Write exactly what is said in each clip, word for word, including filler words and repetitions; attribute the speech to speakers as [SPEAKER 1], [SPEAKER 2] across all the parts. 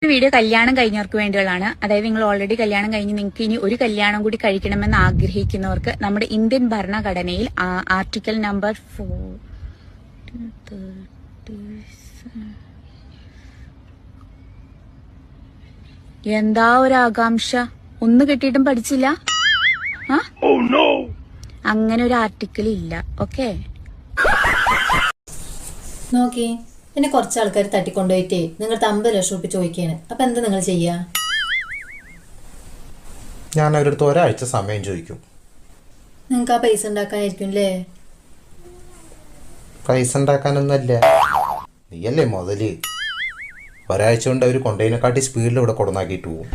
[SPEAKER 1] Video കല്യാണം കഴിഞ്ഞവർക്ക് വേണ്ടിയുള്ളതാണ്. അതായത് നിങ്ങൾ ഓൾറെഡി കല്യാണം കഴിഞ്ഞ് നിങ്ങൾക്ക് ഇനി ഒരു കല്യാണം കൂടി കഴിക്കണമെന്ന് ആഗ്രഹിക്കുന്നവർക്ക് നമ്മുടെ ഇന്ത്യൻ ഭരണഘടനയിൽ ആർട്ടിക്കിൾ നമ്പർ ഫോർ എന്താ ഒരു ആകാംക്ഷ, ഒന്ന് കിട്ടിയിട്ടും പഠിച്ചില്ല. അങ്ങനെ ഒരു ആർട്ടിക്കിൾ ഇല്ല. ഓക്കെ,
[SPEAKER 2] നോക്കി പിന്നെ കുറച്ച് ആൾക്കാർ തട്ടിക്കൊണ്ടുപോയിട്ടേ നിങ്ങൾക്ക് അമ്പത് ലക്ഷം റുപ്യ ചോദിക്കാണ്. അപ്പൊ എന്താ നിങ്ങൾ ചെയ്യാ?
[SPEAKER 3] ഞാൻ അവരടുത്ത് ഒരാഴ്ച സമയം ചോദിക്കും.
[SPEAKER 2] നിങ്ങൾക്ക് ആ പൈസ ഉണ്ടാക്കാനായിരിക്കും അല്ലേ?
[SPEAKER 3] പൈസ ഉണ്ടാക്കാനൊന്നല്ല, നീയല്ലേ മുതല്. ഒരാഴ്ച കൊണ്ട് അവര് കൊണ്ടതിനെക്കാട്ടി സ്പീഡിൽ ഇവിടെ കൊടുന്നാക്കിട്ട് പോകും.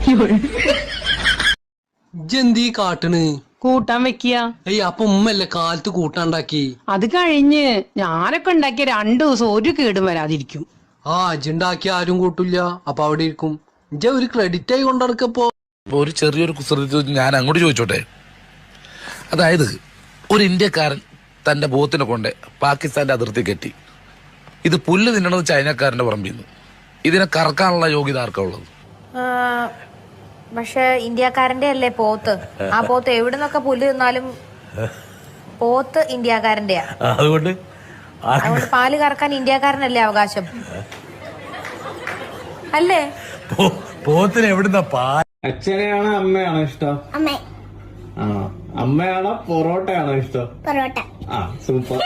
[SPEAKER 4] ഇജ്ജെന്തീ കാട്ടണ്?
[SPEAKER 5] കൂട്ടാൻ വെക്കുക.
[SPEAKER 4] ഏയ് അപ്പൊ ഉമ്മല്ലേ കാലത്ത് കൂട്ടാണ്ടാക്കി?
[SPEAKER 5] അത് കഴിഞ്ഞ് ഞാനൊക്കെ ഉണ്ടാക്കിയ രണ്ടു ദിവസം ഒരു കേടും വരാതിരിക്കും.
[SPEAKER 4] ആ ഇജ്ജുണ്ടാക്കിയ ആരും കൂട്ടില്ല, അപ്പൊ അവിടെ ഇരിക്കും. ഇജ്ജ ഒരു ക്രെഡിറ്റ് ആയി കൊണ്ടിടക്കപ്പോ.
[SPEAKER 6] ഒരു ചെറിയൊരു കുസൃതി ഞാൻ അങ്ങോട്ട് ചോദിച്ചോട്ടെ. അതായത് ഒരു ഇന്ത്യക്കാരൻ തന്റെ ബോത്തിനെ കൊണ്ട് പാകിസ്ഥാന്റെ അതിർത്തി കെട്ടി. ഇത് പുല്ല് തിന്നണത് ചൈനക്കാരന്റെ പറമ്പിന്ന്. ഇതിനെ കറക്കാനുള്ള യോഗ്യത ആർക്കാ ഉള്ളത്?
[SPEAKER 7] പക്ഷെ ഇന്ത്യക്കാരന്റെ അല്ലേ പോത്ത്? ആ പോത്ത് എവിടെ നിന്നൊക്കെ പുല്ല് തിന്നാലും പോത്ത് ഇന്ത്യക്കാരന്റെയാ.
[SPEAKER 6] അതുകൊണ്ട്
[SPEAKER 7] അതുകൊണ്ട് പാല് കറക്കാൻ ഇന്ത്യക്കാരനല്ലേ അവകാശം അല്ലേ?
[SPEAKER 6] പോത്തിന് എവിടുന്ന പാൽ?
[SPEAKER 8] അച്ഛനെയാണോ അമ്മയാണോ ഇഷ്ടം?
[SPEAKER 9] അമ്മ.
[SPEAKER 8] ആ അമ്മയാണോ പൊറോട്ടയാണോ ഇഷ്ടം?
[SPEAKER 9] പൊറോട്ട.
[SPEAKER 8] ആ സൂപ്പർ.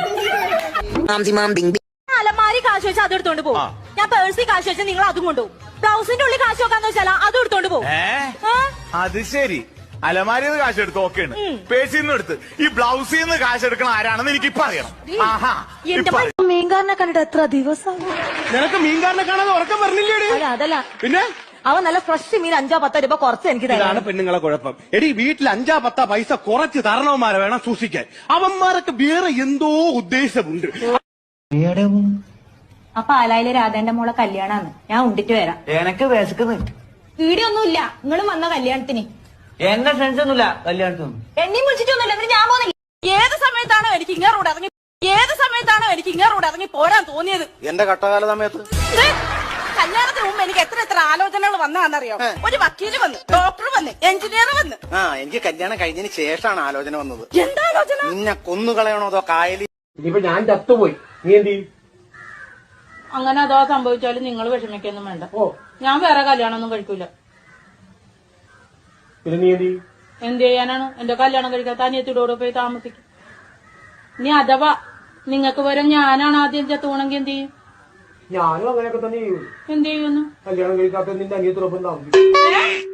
[SPEAKER 10] അലമാരി കാശ് വെച്ചാൽ അത് എടുത്തോണ്ട് പോകും. ഞാൻ പേഴ്സിൽ കാശ് വെച്ചാൽ നിങ്ങൾ അതും കൊണ്ടുപോകും. ബ്ലൗസിന്റെ ഉള്ളിൽ കാശ് വെക്കാന്ന് വെച്ചാൽ അതും എടുത്തോണ്ട് പോകും.
[SPEAKER 11] അത് ശരി, അലമാരിന്ന് കാശ് എടുത്ത് ഓക്കെയാണ്. പേഴ്സിൽ നിന്ന് എടുത്ത് ഈ ബ്ലൗസിൽ നിന്ന് കാശ് എടുക്കണ ആരാണെന്ന് എനിക്ക് ഇപ്പൊ അറിയണം.
[SPEAKER 10] മീൻകാരനെ കണ്ടിട്ട് എത്ര ദിവസം?
[SPEAKER 11] നിനക്ക് മീൻകാരനെ കാണാതെ ഉറക്കം പറഞ്ഞില്ലേ?
[SPEAKER 10] അതല്ല,
[SPEAKER 11] പിന്നെ
[SPEAKER 10] അവൻ നല്ല ഫ്രഷ് മീൻ അഞ്ചോ പത്തോ രൂപ കുറച്ച് എനിക്ക്
[SPEAKER 11] ഇതാണ് പെണ്ണുങ്ങളെ കുഴപ്പം. എടി വീട്ടിൽ അഞ്ചാ പത്താ പൈസ കുറച്ച് തരണവന്മാരെ വേണം സൂക്ഷിക്കാൻ. അവന്മാരൊക്കെ വേറെ എന്തോ ഉദ്ദേശമുണ്ട്.
[SPEAKER 10] അപ്പൊ ആലായിലെ രാധേന്റെ മോളെ കല്യാണാന്ന്. ഞാൻ ഉണ്ടിട്ട് വരാം.
[SPEAKER 12] എനക്ക് വിശക്കുന്നു.
[SPEAKER 10] വീഡിയോ ഒന്നുമില്ല, നിങ്ങളും വന്ന കല്യാണത്തിന്.
[SPEAKER 12] എന്നെ ഫ്രണ്ട്സ് ഒന്നുമില്ല കല്യാണത്തിന്.
[SPEAKER 10] എന്നെയും വിളിച്ചിട്ടൊന്നുമില്ല, എന്നിട്ട് ഞാൻ പോകുന്നില്ല. ഏത് സമയത്താണോ എനിക്ക് ഇങ്ങോട്ട് ഇറങ്ങി ഏത് സമയത്താണോ എനിക്ക് ഇങ്ങോട്ട് ഇറങ്ങി പോരാൻ തോന്നിയത്?
[SPEAKER 11] എന്റെ കട്ടകാല സമയത്ത്
[SPEAKER 10] കല്യാണത്തിന് മുമ്പ് എനിക്ക് എത്ര എത്ര ആലോചനകൾ വന്നാന്നറിയോ? ഒരു വക്കീല് വന്ന്, ഡോക്ടർ വന്ന്, എഞ്ചിനീയർ വന്ന്.
[SPEAKER 12] ആ എനിക്ക് കല്യാണം കഴിഞ്ഞതിന് ശേഷമാണ് ആലോചന വന്നത്.
[SPEAKER 10] എന്താ ആലോചന?
[SPEAKER 12] നിന്നെ കൊന്നുകളയണോ അതോ കായലി?
[SPEAKER 8] ഇനിയിപ്പോ ഞാൻ ചത്തുപോയി, നീ എന്ത് ചെയ്യും?
[SPEAKER 10] അങ്ങനെ അതോ സംഭവിച്ചാലും നിങ്ങൾ വിഷമിക്കൊന്നും വേണ്ട. ഞാൻ വേറെ കല്യാണം ഒന്നും കഴിക്കൂല.
[SPEAKER 8] പിന്നെ നീ എന്ത് ചെയ്യും?
[SPEAKER 10] എന്ത് ചെയ്യാനാണ്? എന്റെ കല്യാണം കഴിക്കാത്ത അനിയത്തിയോട് പോയി താമസിക്കും. ഇനി അഥവാ നിങ്ങൾക്ക് വരും ഞാനാണ് ആദ്യം ചത്തുപോണെങ്കിൽ എന്ത് ചെയ്യും?
[SPEAKER 8] ഞാനും അങ്ങനെയൊക്കെ തന്നെ ചെയ്യും.
[SPEAKER 10] എന്ത് ചെയ്യുന്നു?
[SPEAKER 8] കല്യാണം കഴിക്കാത്ത നിന്റെ അനിയത്തിനൊപ്പം താമസിക്കും.